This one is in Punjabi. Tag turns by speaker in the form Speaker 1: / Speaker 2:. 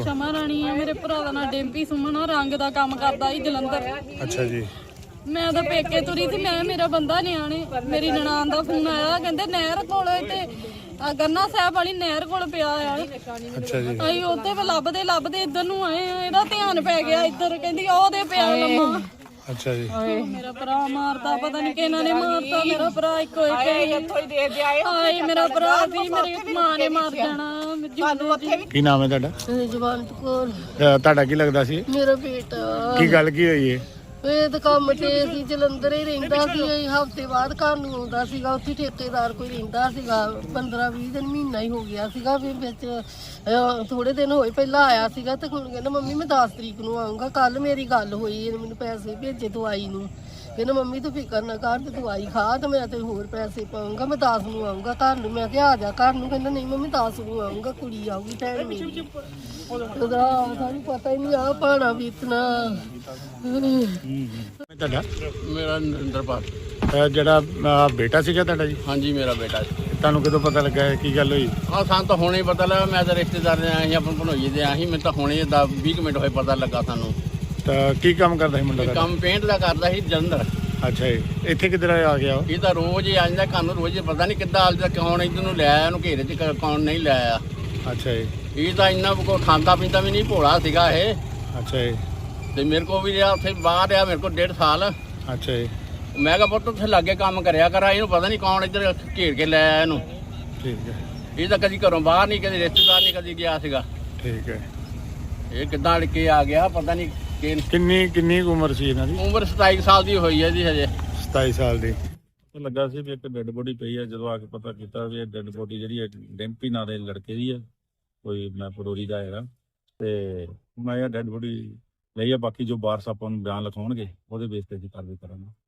Speaker 1: ਸ਼ਮਾ ਰਾਣੀ ਆ, ਮੇਰੇ ਭਰਾ ਦਾ ਨਾਂ ਡੈਂਪੀ ਸੁਮਨ ਆ, ਰੰਗ ਦਾ ਕੰਮ ਕਰਦਾ ਸੀ ਜਲੰਧਰ।
Speaker 2: ਅੱਛਾ ਜੀ।
Speaker 1: ਮੈਂ ਤਾਂ ਪੇਕੇ ਤੁਰੀ ਸੀ, ਮੈਂ ਮੇਰਾ ਬੰਦਾ ਨਿਆਣੇ, ਮੇਰੀ ਨਨਾਣ ਦਾ ਫੋਨ ਆਇਆ, ਕਹਿੰਦੇ ਨਹਿਰ ਕੋਲ ਤੇ ਗੰਨਾ ਸਾਹਿਬ ਵਾਲੀ ਨਹਿਰ ਕੋਲ ਪਿਆ ਆ।
Speaker 2: ਅੱਛਾ ਜੀ।
Speaker 1: ਅਸੀਂ ਉੱਥੇ ਲੱਭਦੇ ਲੱਭਦੇ ਇੱਧਰ ਨੂੰ ਆਏ ਆ, ਇਹਦਾ ਧਿਆਨ ਪੈ ਗਿਆ ਇੱਧਰ, ਕਹਿੰਦੀ ਉਹਦੇ ਪਿਆ ਲੰਮਾ।
Speaker 2: ਅੱਛਾ ਜੀ।
Speaker 1: ਮੇਰਾ ਭਰਾ ਮਾਰਦਾ, ਪਤਾ ਨਹੀਂ ਕਿਹਨਾਂ ਨੇ ਮਾਰਤਾ, ਮੇਰਾ ਭਰਾ ਇੱਕੋ ਇੱਕ ਹਾਏ ਮੇਰਾ ਭਰਾ ਸੀ, ਮੇਰੀ ਮਾਂ ਨੇ ਮਾਰ ਜਾਣਾ।
Speaker 2: ਕੀ ਨਾਮ ਹੈ ਤੁਹਾਡਾ?
Speaker 1: ਜਵਾਨਤ ਕੌਰ
Speaker 2: ਤੁਹਾਡਾ ਕੀ ਲੱਗਦਾ ਸੀ?
Speaker 1: ਮੇਰਾ ਬੇਟਾ।
Speaker 2: ਕੀ ਗੱਲ ਕੀ ਹੋਈ ਹੈ?
Speaker 1: ਇਹ ਤਾਂ ਕੰਮ ਤੇ ਸੀ, ਜਲੰਧਰ ਹੀ ਰਹਿੰਦਾ ਸੀ, ਹਫ਼ਤੇ ਬਾਅਦ ਘਰ ਨੂੰ ਆਉਂਦਾ ਸੀਗਾ। ਉੱਥੇ ਠੇਕੇਦਾਰ ਕੋਈ ਰਹਿੰਦਾ ਸੀਗਾ, 15-20 ਦਿਨ ਮਹੀਨਾ ਹੀ ਹੋ ਗਿਆ ਸੀਗਾ। ਫਿਰ ਵਿੱਚ ਥੋੜੇ ਦਿਨ ਹੋਏ ਪਹਿਲਾਂ ਆਇਆ ਸੀਗਾ, ਤੇ ਹੁਣ ਕਹਿੰਦਾ ਮੰਮੀ ਮੈਂ 10 ਤਰੀਕ ਨੂੰ ਆਊਂਗਾ। ਕੱਲ ਮੇਰੀ ਗੱਲ ਹੋਈ, ਇਹਨੇ ਮੈਨੂੰ ਪੈਸੇ ਭੇਜੇ ਦਵਾਈ ਨੂੰ, ਕਹਿੰਦਾ ਮੰਮੀ ਤੂੰ ਫਿਕਰ ਨਾ ਕਰ, ਤੇ ਦਵਾਈ ਖਾ ਤੇ ਮੈਂ ਤੇ ਹੋਰ ਪੈਸੇ ਪਾਊਂਗਾ, ਮੈਂ 10 ਨੂੰ ਆਊਂਗਾ ਘਰ ਨੂੰ। ਮੈਂ ਕਿਹਾ ਆ ਜਾ ਘਰ ਨੂੰ, ਕਹਿੰਦਾ ਨਹੀਂ ਮੰਮੀ 10 ਨੂੰ ਆਊਂਗਾ, ਕੁੜੀ ਆਊਗੀ ਭੈਣ ਮੇਰੀ। ਉਹਦਾ ਸਾਨੂੰ ਪਤਾ ਹੀ ਨਹੀਂ ਆ ਪਾਣਾ ਬੀਤਣਾ।
Speaker 2: ਤੁਹਾਡਾ?
Speaker 3: ਮੇਰਾ ਨਰਿੰਦਰਪਾਲ।
Speaker 2: ਜਿਹੜਾ ਬੇਟਾ ਸੀਗਾ ਤੁਹਾਡਾ ਜੀ?
Speaker 3: ਹਾਂਜੀ ਮੇਰਾ ਬੇਟਾ ਸੀ।
Speaker 2: ਤੁਹਾਨੂੰ ਕਦੋਂ ਪਤਾ ਲੱਗਾ ਹੈ? ਕੀ ਗੱਲ ਹੋਈ?
Speaker 3: ਸਾਨੂੰ ਤਾਂ ਹੁਣੇ ਹੀ ਪਤਾ ਲੱਗਾ। ਮੈਂ ਤਾਂ ਰਿਸ਼ਤੇਦਾਰ ਦੇ ਆਇਆ ਸੀ, ਆਪਣੇ ਭਣੋਈਏ ਦੇ ਆਇਆ ਸੀ। ਮੈਨੂੰ ਤਾਂ ਹੁਣੇ 10-20 ਮਿੰਟ ਹੋਏ ਪਤਾ ਲੱਗਾ ਸਾਨੂੰ।
Speaker 2: ਤਾਂ ਕੀ ਕੰਮ ਕਰਦਾ ਸੀ ਮੁੰਡਾ
Speaker 3: ਇਹ
Speaker 2: ਤੁਹਾਡਾ?
Speaker 3: ਕੰਮ ਪੇਂਟ ਦਾ ਕਰਦਾ ਸੀ ਜਲੰਧਰ।
Speaker 2: ਅੱਛਾ ਜੀ। ਇੱਥੇ ਕਿੱਧਰ ਆ ਗਿਆ ਉਹ?
Speaker 3: ਇਹ ਤਾਂ ਰੋਜ਼ ਹੀ ਆ ਜਾਂਦਾ ਘਰ ਨੂੰ, ਰੋਜ਼ ਪਤਾ ਨਹੀਂ ਕਿੱਦਾਂ ਅੱਜ ਤੱਕ ਕੌਣ ਇੱਧਰ ਨੂੰ ਲੈ ਆਇਆ, ਉਹਨੂੰ ਘੇਰੇ 'ਚ ਕੌਣ ਨਹੀਂ ਲੈ ਆਇਆ।
Speaker 2: ਅੱਛਾ ਜੀ।
Speaker 3: ਇਹ ਤਾਂ ਇੰਨਾ ਕੋ ਖਾਂਦਾ ਪੀਂਦਾ ਵੀ ਨਹੀਂ, ਭੋਲਾ ਸੀਗਾ ਇਹ।
Speaker 2: ਅੱਛਾ ਜੀ।
Speaker 3: ਤੇ ਮੇਰੇ ਕੋਲ ਵੀ ਰਿਹਾ, ਉੱਥੇ ਬਾਹਰ ਰਿਹਾ ਮੇਰੇ ਕੋਲ 1.5 ਸਾਲ।
Speaker 2: ਅੱਛਾ ਜੀ।
Speaker 3: ਮੈਂ ਕਿਹਾ ਪੁੱਤ ਉੱਥੇ ਲਾਗੇ ਕੰਮ ਕਰਿਆ ਕਰ, ਇਹਨੂੰ ਪਤਾ ਨਹੀਂ ਕੌਣ ਇੱਧਰ ਘੇਰ ਕੇ ਲੈ ਆਇਆ ਇਹਨੂੰ।
Speaker 2: ਠੀਕ ਹੈ।
Speaker 3: ਇਹ ਤਾਂ ਕਦੀ ਘਰੋਂ ਬਾਹਰ ਨਹੀਂ, ਕਦੀ ਰਿਸ਼ਤੇਦਾਰ ਨਹੀਂ ਕਦੀ ਗਿਆ ਸੀਗਾ।
Speaker 2: ਠੀਕ ਹੈ।
Speaker 3: ਇਹ ਕਿੱਦਾਂ ਅੜ ਕੇ ਆ ਗਿਆ ਪਤਾ ਨਹੀਂ।
Speaker 2: ਕਿੰਨੀ ਕੁ ਉਮਰ ਸੀ ਇਹਨਾਂ ਦੀ?
Speaker 3: ਉਮਰ 27 ਸਾਲ ਦੀ ਹੋਈ ਹੈ ਜੀ ਹਜੇ।
Speaker 2: 27 ਸਾਲ ਦੀ।
Speaker 4: ਲੱਗਾ ਸੀ ਵੀ ਇੱਕ ਡੈੱਡ ਬੋਡੀ ਪਈ ਹੈ। ਜਦੋਂ ਆ ਕੇ ਪਤਾ ਕੀਤਾ ਵੀ ਇਹ ਡੈੱਡ ਬੋਡੀ ਜਿਹੜੀ ਹੈ ਡੈਂਪੀ ਨਾਂ ਦੇ ਲੜਕੇ ਦੀ ਹੈ, ਕੋਈ ਮੈਂ ਪਰੋਰੀ ਦਾ ਹੈਗਾ। ਤੇ ਮੈਂ ਇਹ ਡੈੱਡ ਬੋਡੀ ਲਈ ਆ, ਬਾਕੀ ਜੋ ਵਾਰਸ ਆਪਾਂ ਨੂੰ ਬਿਆਨ ਲਿਖਾਉਣਗੇ ਉਹਦੇ ਬੇਸ ਤੇ ਅਸੀਂ ਕਾਰਵਾਈ ਕਰਾਂਗੇ।